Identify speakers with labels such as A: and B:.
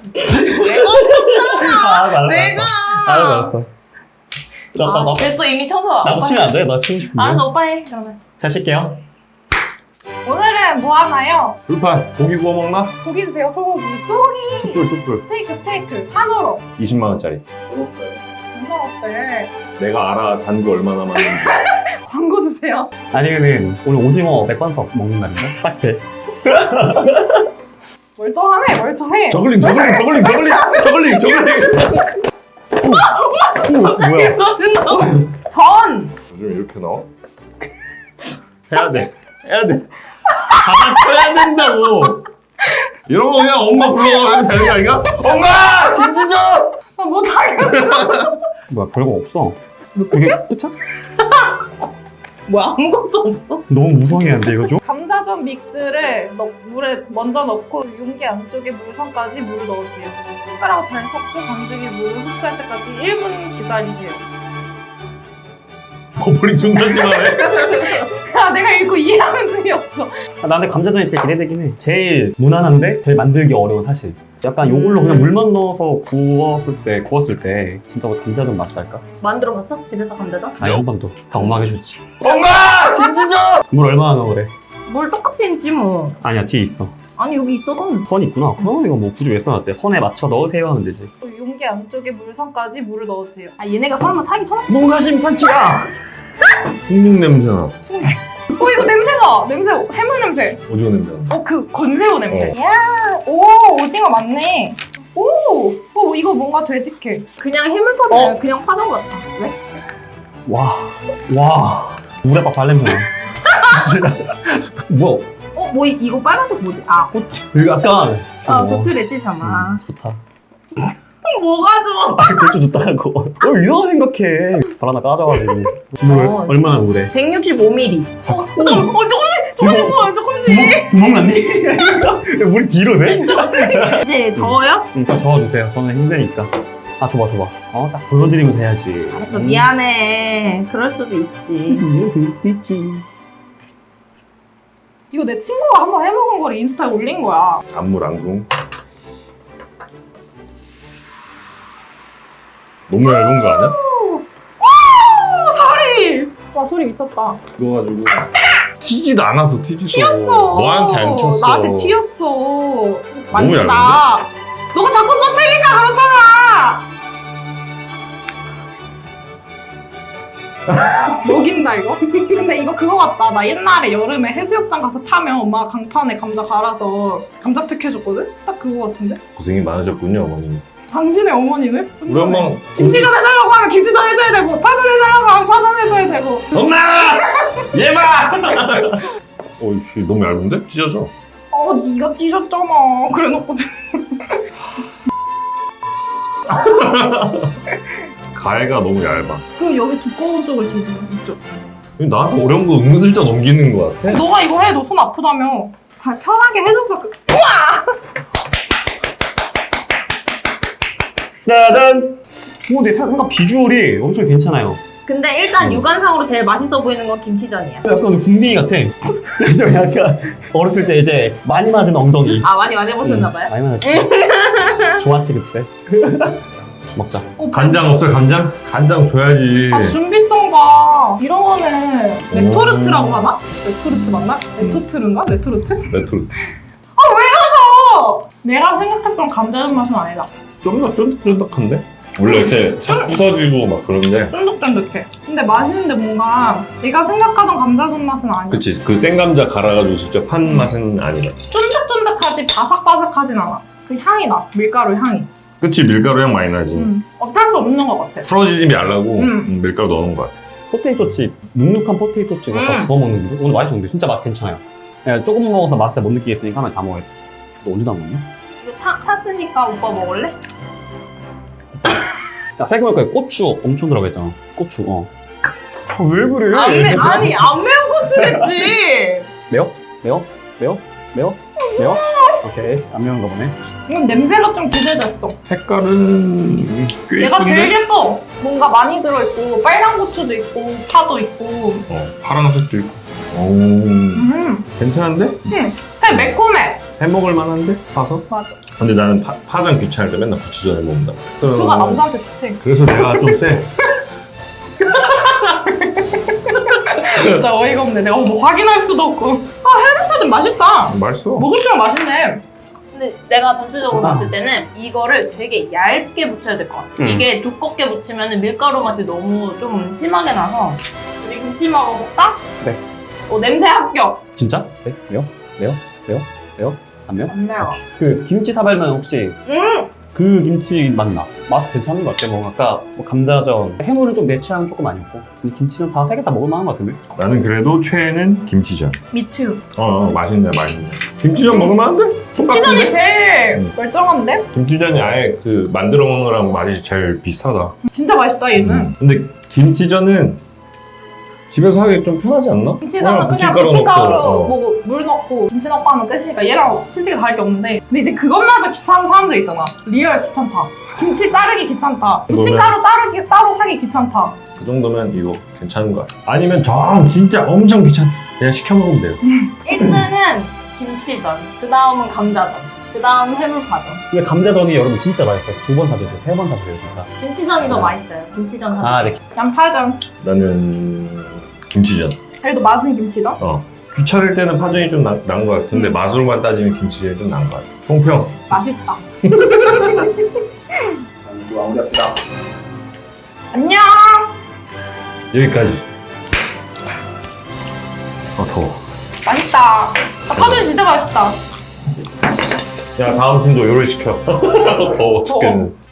A: 내가 쳤잖아. 내가.
B: 알았어.
A: 됐어 이미 쳐서.
B: 나도 치면 안 돼? 나 치고 싶은데.
A: 알았어 오빠 해 그러면.
B: 잘 칠게요.
C: 오늘은 뭐 하나요?
D: 불판 고기 구워 먹나?
C: 고기 주세요, 소고기. 소고기!
D: 뚝불
C: 스테이크. 한우로.
D: 20만 원짜리.
C: 얼마 어때?
D: 내가 알아 잔고 얼마나 많은지.
C: 광고 주세요.
B: 아니면은 오늘 오징어 맥반석 먹는 날인가? 딱 돼.
C: 멀쩡해.
D: 저글링.
B: 뭐야?
C: 전!
D: 요즘 이렇게 나와?
B: 해야 돼. 받아쳐야 된다고.
D: 이런 거 그냥 엄마 불러가면 되는 거 아닌가? 엄마! 김치 줘!
C: 나 못하겠어.
B: 뭐야 별거 없어.
C: 뭐
B: 이게 끝이야?
A: 뭐야 아무것도 없어?
B: 너무 무성의한데 이거 좀?
C: 감자전 믹스를 물에 먼저 넣고 용기 안쪽에 물성까지 물을 넣으세요. 숟가락 잘 섞고 반죽이 물을 흡수할 때까지 1분 기다리세요.
D: 버블링 존나 심하네.
C: 아, 내가 읽고 이해하는 중이었어.
B: 나한테 감자전이 제일 기대되긴 해. 제일 무난한데 제일 만들기 어려운 사실. 약간 요걸로 그냥 물만 넣어서 구웠을 때 진짜 감자전 맛이 날까?
A: 만들어봤어? 집에서 감자전?
B: 아니 한 번도 다 엄마가 해줬지.
D: 엄마! 김치 줘!
B: 물 얼마나 넣어 그래?
A: 물 똑같이 있지 뭐.
B: 아니야 뒤에 있어.
A: 아니 여기 있어 손.
B: 선 있구나. 그럼 이거 뭐 굳이 왜 써놨대? 선에 맞춰 넣으세요 하면 되지.
C: 용기 안쪽에 물성까지 물을 넣으세요.
A: 아 얘네가 설마 사기 쳐놨?
B: 농가심 산치가!
D: 풍국 냄새나.
C: 이거 냄새가! 해물 냄새.
D: 오징어 냄새나.
C: 그 건새우 냄새.
D: 어.
C: 야, 오징어 맞네. 이거 뭔가 되직해.
A: 그냥 해물 파전 그냥 파전 같다. 왜?
B: 와. 물에 막 발냄새 나. 진짜. 뭐야?
A: 뭐 이거 빨간색 뭐지? 아 고추.
B: 이거 약간.
A: 고추랬지 잠아.
B: 좋다.
A: 뭐가 좋아?
B: 고추 좋다고. 이상하게 생각해. 발 하나 까져가지고. 물 얼마나 물에?
A: 165ml. 조금씩.
B: 구멍 났니? 물이 뒤로 새?
A: 이제 저어요?
B: 응, 딱 저어주세요. 저는 힘드니까. 아, 줘봐. 딱 보여드리면서 해야지.
A: 알았어 미안해. 그럴 수도 있지.
C: 이거 내 친구가 한번 해먹은 거를 인스타에 올린 거야.
D: 안물 안궁. 너무 얇은 거 아니야?
C: 소리! 와, 소리 미쳤다.
D: 그거 가지고 튀지도 않았어.
C: 튀었어.
D: 너한테 안 튀었어.
C: 나한테 튀었어. 만지지
D: 얇은데?
C: 마. 너가 자꾸 터뜨리니까 그렇잖아. 먹인다 이거? 근데 이거 그거 같다. 나 옛날에 여름에 해수욕장 가서 타면 엄마가 강판에 감자 갈아서 감자팩 해줬거든? 딱 그거 같은데?
D: 고생이 많으셨군요 어머님.
C: 당신의 어머니는?
D: 우리 엄마
C: 김치전 해달라고 하면 김치전 해줘야 되고 파전 해달라고 하면 파전 해줘야 되고.
D: 엄마! 얘 봐! 어이씨 너무 얇은데? 찢어져.
C: 네가 찢었잖아. 그래놓고
D: 가해가 너무 얇아.
C: 그럼 여기 두꺼운 쪽을 뒤집어. 이쪽.
D: 나한테 어려운 거 은근슬쩍 넘기는 거 같아.
C: 너가 이거 해. 너 손 아프다며. 잘 편하게 해줘서
B: 짜잔! 내 생각 비주얼이 엄청 괜찮아요.
A: 근데 일단 육안상으로 제일 맛있어 보이는 건 김치전이야.
B: 약간 궁둥이 같아. 좀 약간 어렸을 때 이제 많이 맞은 엉덩이.
A: 아 많이 해보셨나봐요?
B: 많이 맞았지. 좋았지 그때. 먹자.
D: 간장 없어요 간장? 간장 줘야지.
C: 준비성 봐. 이런 거는 레토르트라고 하나? 레토르트 맞나? 레토트르인가? 레토르트?
D: 레토르트.
C: 내가 생각했던 감자전 맛은 아니다.
D: 좀 더 쫀득쫀득한데? 원래 이렇게 싹 부서지고 막 그런데.
C: 쫀득쫀득해. 근데 맛있는데 뭔가 내가 생각하던 감자전 맛은 아니야.
D: 그치 그 생감자 갈아가지고 직접 한 맛은 아니다.
C: 쫀득쫀득하지 바삭바삭하진 않아. 그 향이 나. 밀가루 향이.
D: 그치 밀가루 향 많이 나지.
C: 어쩔 수 없는 것 같아.
D: 풀어지지 말라고
C: 음.
D: 밀가루 넣어놓은 것 같아.
B: 포테이토 칩, 눅눅한 포테이토 칩 약간 구워 먹는 거. 오늘 맛있었는데 진짜 맛 괜찮아요. 그냥 조금 먹어서 맛을 못 느끼겠으니까 하나 다 먹어야 돼. 너 언제 다 먹냐?
A: 이거 탔으니까 오빠 먹을래?
B: 야, 생각해보니까 고추 엄청 들어가 있잖아. 고추, 왜 그래?
A: 안 매운 고추랬지.
B: 매워? 오케이. 안 매운 거 보네.
C: 이건 냄새가 좀 기대됐어.
D: 색깔은 꽤
C: 내가
D: 이쁜데?
C: 제일 예뻐. 뭔가 많이 들어있고 빨간 고추도 있고 파도 있고.
D: 파란색도 있고. 오
C: 음.
D: 괜찮은데?
C: 되게 매콤해.
D: 해먹을 만한데? 파서?
C: 맞아.
D: 근데 나는 파전 귀찮을 때 맨날 고추전을 먹는다.
C: 고추가 남자한테 좋대.
D: 그래서 내가 좀 세.
C: 진짜 어이가 없네. 내가 뭐 확인할 수도 없고. 해물파전 맛있다.
D: 맛있어.
C: 먹을수록 맛있네.
A: 근데 내가 전체적으로
B: 아.
A: 봤을 때는 이거를 되게 얇게 묻혀야 될 것 같아. 이게 두껍게 묻히면 밀가루 맛이 너무 좀 심하게 나서. 우리 김치 먹어볼까?
B: 네.
A: 냄새 합격.
B: 진짜? 네? 매워? 매워? 매워? 매워? 안 매워?
A: 안 매워.
B: 그 김치 사발면 혹시 그 김치 맛나? 맛 괜찮은 것 같아. 뭐 아까 뭐 감자전 해물은 좀 내 취향은 조금 아니었고 근데 김치전 다 세 개 다 먹을 만한 것 같은데?
D: 나는 그래도 최애는 김치전.
A: 미투.
D: 맛있네, 맛있네. 김치전 먹을 만한데?
C: 시전이
D: 똑같은데?
C: 제일 멀쩡한데?
D: 김치전이 아예 그 만들어 먹는 거랑 맛이 제일 비슷하다.
C: 진짜 맛있다 얘는.
D: 근데 김치전은 집에서 하기 좀 편하지 않나?
C: 김치전은 그냥
D: 부침가루
C: 부침가루
D: 넣고,
C: 뭐 물 넣고 김치 넣고 하면 끝이니까 얘랑 솔직히 다를 게 없는데 근데 이제 그것마저 귀찮은 사람들 있잖아. 리얼 귀찮다. 김치 자르기 귀찮다. 부침가루 따로 사기 귀찮다.
D: 그 정도면 이거 괜찮은 것 같아. 아니면 진짜 엄청 귀찮. 그냥 시켜 먹으면 돼요.
A: 1등은 김치전. 그 다음은 감자전. 그 다음 해물파전.
B: 근데 감자전이 여러분 진짜 맛있어요. 2번 사드세요. 3번 사드세요 진짜.
A: 김치전이 더 맛있어요. 김치전 사전.
B: 아 네.
C: 양파전.
D: 나는 김치전.
C: 그래도 맛은 김치전.
D: 귀찮을 때는 파전이 좀 나은 것 같은데 맛으로만 따지면 김치전이 좀 나은 것 같아. 총평.
C: 맛있다.
B: 마무리합시다.
C: 안녕.
D: 여기까지. 더워.
C: 맛있다. 파전 진짜 맛있다.
D: 야, 다음 팀도 요리 시켜. 더워 죽겠네.